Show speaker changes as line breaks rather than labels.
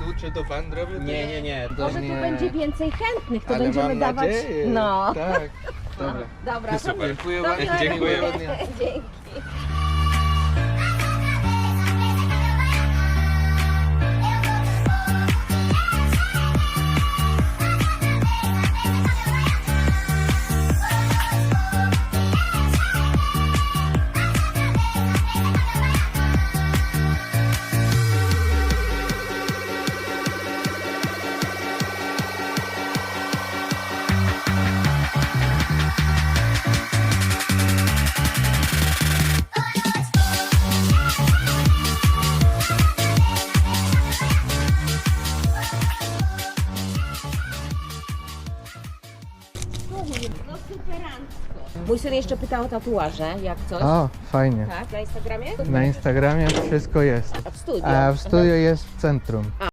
czy to fan robił?
Nie.
Może tu będzie więcej chętnych, to
Ale
będziemy
mam
dawać.
nadzieję.
No.
Tak, dobra.
Dobra, to
Super, dziękuję
do
bardzo.
miłego
Dziękuję.
dnia. Dzięki. No superancko. Mój syn jeszcze pytał o tatuaże, jak coś.
O, fajnie.
Tak, na Instagramie?
Na Instagramie wszystko jest.
A w studiu?
A w studiu jest w centrum.